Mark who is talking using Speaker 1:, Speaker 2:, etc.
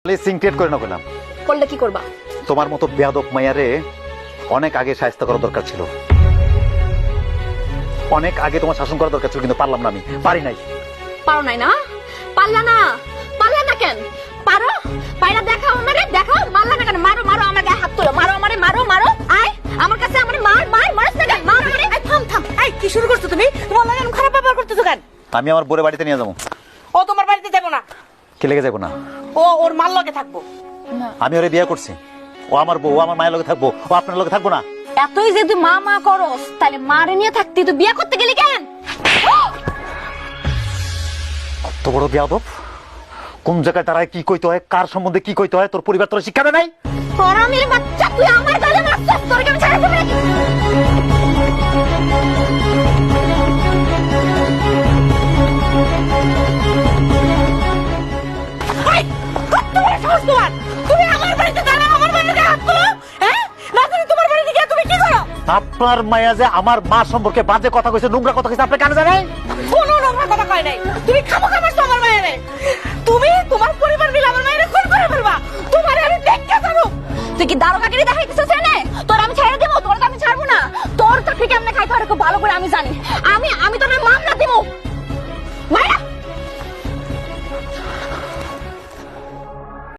Speaker 1: সিনক্রেট করে না করলাম।
Speaker 2: করলে কি করবা?
Speaker 1: তোমার মতো বেয়াদব মাইয়ারে অনেক আগে শায়েস্তা করা দরকার ছিল, অনেক আগে তোমার শাসন করা দরকার ছিল, কিন্তু পারলাম না, আমি পারি নাই।
Speaker 2: পারো নাই না? পারলা না? পারলা না কেন? পারো, পাইরা দেখাও আমারে, দেখাও। মারলা না কেন? মারো মারো, আমার গায়ে হাত তোলো, মারো আমারে, মারো মারো। আয় আমার কাছে, আমারে মার মার, মারছ না কেন? মার আমারে। এই থাম থাম, এই কি শুরু করছো তুমি? তোমার লাগে খারাপ ব্যবহার করতেছো কেন?
Speaker 1: আমি আমার বোরে বাড়িতে নিয়ে যাবো।
Speaker 2: ও তোমার বাড়িতে যাবো না।
Speaker 1: কে লেগে যাবো না?
Speaker 2: ও ওর মার লগে থাকবো।
Speaker 1: আমি ওরে বিয়ে করছি, ও আমার বউ, ও আমার মায়ের লগে থাকবো, ও আপনার লগে থাকবো না।
Speaker 2: এতই যে তুই মা মা করস, তাহলে মারে নিয়ে থাকতি, তুই বিয়ে করতে গেলি কেন?
Speaker 1: কত বড় বেয়াদব! কোন জায়গায় দাঁড়ায় কি কইতে হয়, কার সম্বন্ধে কি কইতে হয়, তোর পরিবার তোর শিক্ষা দেয় নাই?
Speaker 2: হারামির বাচ্চা, তুই আমার গালে মারছিস, তোর কি আমি ছাড়া দেব নাকি? এই, কত বড় সাহস তোমার! তুমি আমার বাড়িতে দাঁড়াও, আমার বাড়িতে হাত তোলো, হ্যাঁ? না জানি তোমার বাড়িতে গিয়ে তুমি কি করো?
Speaker 1: আপনার মায়া যে আমার মা সম্পর্কে বাজে কথা কইছে, নোংরা কথা কইছে, আপনি কানে জানেন?
Speaker 2: কোনো নোংরা কথা কয় নাই। তুমি খামোখা মারছো আমার মায়েরে। তুমি তোমার পরিবার মিলে আমার মায়েরে খুন করে ফেলবা। তোমারে আমি দেখতে পারো। তুই কি দারোগাগিরি দেখাইতেছিস এনে? তোর আমি ছেড়ে দেবো? তোর তো আমি ছাড়বো না। তোর চাকরি কেমনে খাইতে হয় খুব ভালো করে আমি জানি। আমি তোর মামলা দেবো।